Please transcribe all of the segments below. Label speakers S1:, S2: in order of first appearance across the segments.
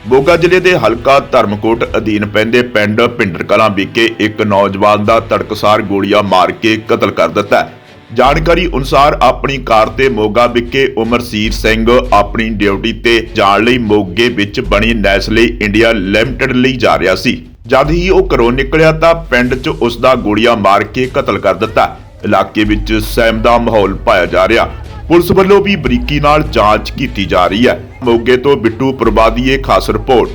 S1: ਮੋਗਾ ਜ਼ਿਲ੍ਹੇ ਦੇ ਹਲਕਾ ਧਰਮਕੋਟ ਅਧੀਨ ਪੈਂਦੇ ਪਿੰਡ ਭਿੰਡਰ ਕਲਾਂ ਵਿਖੇ ਇੱਕ ਨੌਜਵਾਨ ਦਾ ਤੜਕਸਾਰ ਗੋਲੀਆਂ ਮਾਰ ਕੇ ਕਤਲ ਕਰ ਦਿੱਤਾ ਹੈ। ਜਾਣਕਾਰੀ ਅਨੁਸਾਰ ਆਪਣੀ ਕਾਰ ਤੇ ਮੋਗਾ ਵਿਖੇ ਉਮਰਸੀਰ ਸਿੰਘ ਆਪਣੀ ਡਿਊਟੀ ਤੇ ਜਾਣ ਲਈ ਮੋਗੇ ਵਿੱਚ ਬਣੀ ਨੈਸਲੇ ਇੰਡੀਆ ਲਿਮਟਿਡ ਲਈ ਜਾ ਰਿਹਾ ਸੀ। ਜਦ ਹੀ ਉਹ ਘਰੋਂ ਨਿਕਲਿਆ ਤਾਂ ਪਿੰਡ 'ਚ ਉਸ ਦਾ ਗੋਲੀਆਂ ਮਾਰ ਕੇ ਕਤਲ ਕਰ ਦਿੱਤਾ। ਇਲਾਕੇ ਵਿੱਚ ਸਹਿਮ ਦਾ ਮਾਹੌਲ ਪਾਇਆ ਜਾ ਰਿਹਾ। ਪੁਲਿਸ ਵੱਲੋਂ ਵੀ ਬਰੀਕੀ ਨਾਲ ਜਾਂਚ ਕੀਤੀ ਜਾ ਰਹੀ ਹੈ। ਮੋਗੇ ਤੋਂ ਬਿੱਟੂ ਪ੍ਰਬਾਦੀਏ ਖਾਸ ਰਿਪੋਰਟ।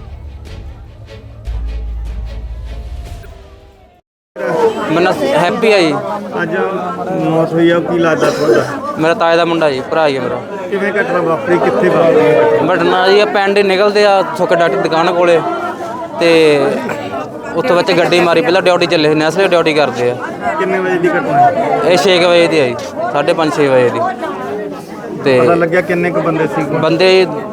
S2: मेरा हैप्पी है जी।
S3: ਅੱਜ ਮੌਤ ਹੋਈ ਆ, ਕੀ ਲੱਗਦਾ ਤੁਹਾਡਾ?
S2: मेरा ताए दा मुंडा जी, भरा ही है मेरा।
S3: ਕਿਵੇਂ ਘਟਨਾ ਵਾਪਰੀ, ਕਿੱਥੇ ਵਾਪਰੀ?
S2: बटना जी पिंड निकलते आ सुख डॉक्टर दुकान कोले ते उत्थों बच्चे गड्डी मारी, पहला ड्यूटी चले नैसले ड्यूटी करते हैं।
S3: ਕਿੰਨੇ ਵਜੇ ਦੀ ਘਟਨਾ ਹੈ?
S2: ये 6 बजे की है जी, 5:30-6 बजे की। ते
S3: ਪਤਾ ਲੱਗਿਆ ਕਿੰਨੇ ਕੁ ਬੰਦੇ ਸੀ?
S2: बंदे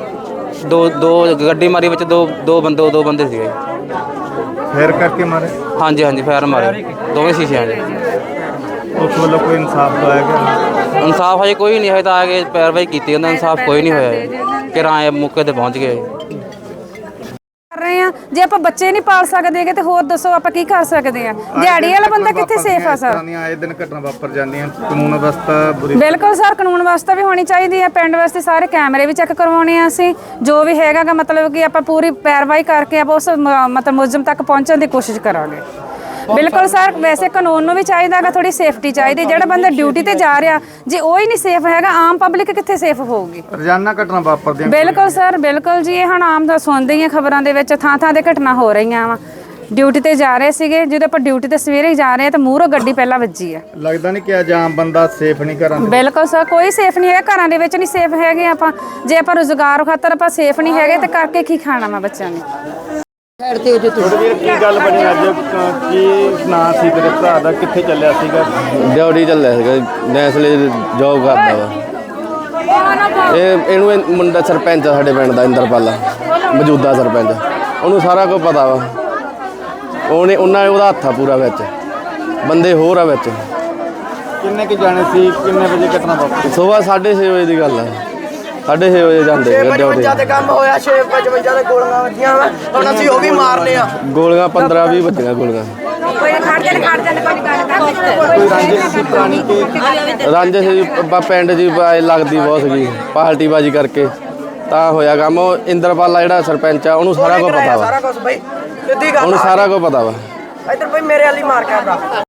S2: दो गड्डी मारी बच्चे दो बंदे थे।
S3: ਫੇਰ ਕਰਕੇ ਮਾਰੇ?
S2: हाँ जी हाँ जी, फायर मारे दोवें शीशे जी।
S3: ਉਸ ਵੱਲੋਂ ਕੋਈ ਇਨਸਾਫ ਪਾਇਆ ਗਿਆ?
S2: इंसाफ हजे कोई नहीं है, तो आगे पैरवाई की इंसाफ कोई नहीं होया कि राय मौके पर पहुँच गए।
S4: ਕਰ ਰਹੇ ਆ ਜੇ ਆਪਾਂ ਬੱਚੇ ਨਹੀਂ ਪਾਲ ਸਕਦੇਗੇ ਤੇ ਹੋਰ ਦੱਸੋ ਆਪਾਂ ਕੀ ਕਰ ਸਕਦੇ ਆ? ਦਿਹਾੜੀ ਵਾਲਾ ਬੰਦਾ ਕਿੱਥੇ ਸੇਫ ਆ ਸਰ?
S3: ਆਏ ਦਿਨ ਘਟਨਾ ਵਾਪਰ ਜਾਂਦੀਆਂ, ਕਾਨੂੰਨ ਵਿਵਸਥਾ ਬੁਰੀ।
S4: ਬਿਲਕੁਲ ਸਰ, ਕਾਨੂੰਨ ਵਿਵਸਥਾ ਵੀ ਹੋਣੀ ਚਾਹੀਦੀ ਹੈ। ਪਿੰਡ ਵਾਸਤੇ ਸਾਰੇ ਕੈਮਰੇ ਵੀ ਚੈੱਕ ਕਰਵਾਉਣੇ ਆ ਅਸੀਂ, ਜੋ ਵੀ ਹੈਗਾਗਾ ਮਤਲਬ ਕਿ ਆਪਾਂ ਪੂਰੀ ਪੈਰਵਾਈ ਕਰਕੇ ਆਪਾਂ ਉਸ ਮਤਲਬ ਮੁਲਜ਼ਮ ਤੱਕ ਪਹੁੰਚਣ ਦੀ ਕੋਸ਼ਿਸ਼ ਕਰਾਂਗੇ। ਬਿਲਕੁਲ ਸਰ, ਵੈਸੇ ਕਾਨੂੰਨ ਨੂੰ ਵੀ ਚਾਹੀਦਾਗਾ ਥੋੜੀ ਸੇਫਟੀ ਚਾਹੀਦੀ। ਜਿਹੜਾ ਬੰਦਾ ਡਿਊਟੀ ਤੇ ਜਾ ਰਿਹਾ ਜੇ ਉਹ ਹੀ ਨਹੀਂ ਸੇਫ ਹੈਗਾ, ਆਮ ਪਬਲਿਕ ਕਿੱਥੇ ਸੇਫ ਹੋਊਗੀ?
S3: ਰੋਜ਼ਾਨਾ ਘਟਨਾ ਵਾਪਰਦੀਆਂ।
S4: ਬਿਲਕੁਲ ਸਰ, ਬਿਲਕੁਲ ਜੀ। ਇਹ ਹੁਣ ਆਮ ਦਾ ਸੁਣਦੇ ਹੀ ਆ ਖਬਰਾਂ ਦੇ ਵਿੱਚ, ਥਾਂ ਦੇ ਘਟਨਾ ਹੋ ਰਹੀਆਂ ਵਾ। ਡਿਊਟੀ ਤੇ ਜਾ ਰਹੇ ਸੀਗੇ, ਜਦੋਂ ਆਪਾਂ ਡਿਊਟੀ ਤੇ ਸਵੇਰੇ ਹੀ ਜਾ ਰਹੇ ਆ ਤਾਂ ਮੂਹਰੋਂ ਗੱਡੀ ਪਹਿਲਾਂ ਵੱਜੀ ਆ।
S3: ਲੱਗਦਾ ਨਹੀਂ ਕਿ ਅੱਜ ਆਮ ਬੰਦਾ ਸੇਫ ਨਹੀਂ ਘਰਾਂ ਦੇ?
S4: ਬਿਲਕੁਲ ਸਰ, ਕੋਈ ਸੇਫ ਨਹੀਂ ਹੈਗਾ, ਘਰਾਂ ਦੇ ਵਿੱਚ ਨਹੀਂ ਸੇਫ ਹੈਗੇ ਆਪਾਂ। ਜੇ ਆਪਾਂ ਰੁਜ਼ਗਾਰ ਖਾਤਰ ਆਪਾਂ ਸੇਫ ਨਹੀਂ ਹੈਗੇ ਤੇ ਕਰਕੇ ਕੀ ਖਾਣਾ ਵਾ ਬੱਚਿਆਂ ਨੇ?
S3: ਥੋੜੀ ਵੀਰ ਕੀ ਗੱਲ ਬਣੀ ਅੱਜ? ਕੀ ਨਾਂ ਸੀ ਤੇਰੇ ਭਰਾ ਦਾ, ਕਿੱਥੇ ਚੱਲਿਆ ਸੀਗਾ?
S2: ਡਿਊਟੀ ਚੱਲਿਆ ਸੀਗਾ, ਨੈਸਲੇ ਜੋਬ ਕਰਦਾ ਵਾ। ਇਹਨੂੰ ਮੁੰਡਾ ਸਰਪੰਚ ਸਾਡੇ ਪਿੰਡ ਦਾ ਇੰਦਰਪਾਲਾ, ਮੌਜੂਦਾ ਸਰਪੰਚ, ਉਹਨੂੰ ਸਾਰਾ ਕੁਝ ਪਤਾ ਵਾ। ਉਹਦਾ ਹੱਥ ਆ ਪੂਰਾ ਵਿੱਚ, ਬੰਦੇ ਹੋਰ ਆ ਵਿੱਚ।
S3: ਕਿੰਨੇ ਕੁ ਜਾਣੇ ਸੀ, ਕਿੰਨੇ ਵਜੇ ਘਟਨਾ ਵਾਪਰੀ?
S2: ਸੁਬਾਹ 6:30 ਵਜੇ ਦੀ ਗੱਲ ਆ। 6:30 ਵਜੇ ਜਾਂਦੇ
S5: ਡਿਊਟੀ ਤੇ ਕੰਮ ਹੋਇਆ। 6:55 ਦੇ ਗੋਲੀਆਂ ਵੱਜੀਆਂ ਵਾ, ਹੁਣ ਅਸੀਂ ਉਹ ਵੀ ਮਾਰਨੇ ਆ।
S2: ਗੋਲੀਆਂ 15-20 ਵੱਜੀਆਂ ਗੋਲੀਆਂ। ਰਾਂਝੇ ਸੀ ਪਿੰਡ ਜੀ ਲੱਗਦੀ ਬਹੁਤ ਸੀਗੀ, ਪਾਰਟੀਬਾਜੀ ਕਰਕੇ ਤਾਂ ਹੋਇਆ ਕੰਮ। ਉਹ ਇੰਦਰਪਾਲਾ ਜਿਹੜਾ ਸਰਪੰਚ ਆ ਉਹਨੂੰ ਸਾਰਾ ਕੁਝ ਪਤਾ ਵਾ।
S5: ਸਾਰਾ ਕੁਝ ਬਈ ਸਿੱਧੀ ਗੱਲ,
S2: ਉਹਨੂੰ ਸਾਰਾ ਕੁਝ ਪਤਾ ਵਾ।
S5: ਇੱਧਰ ਬਈ ਮੇਰੇ ਵਾਲੀ ਮਾਰ ਕੇ ਆਉਂਦਾ।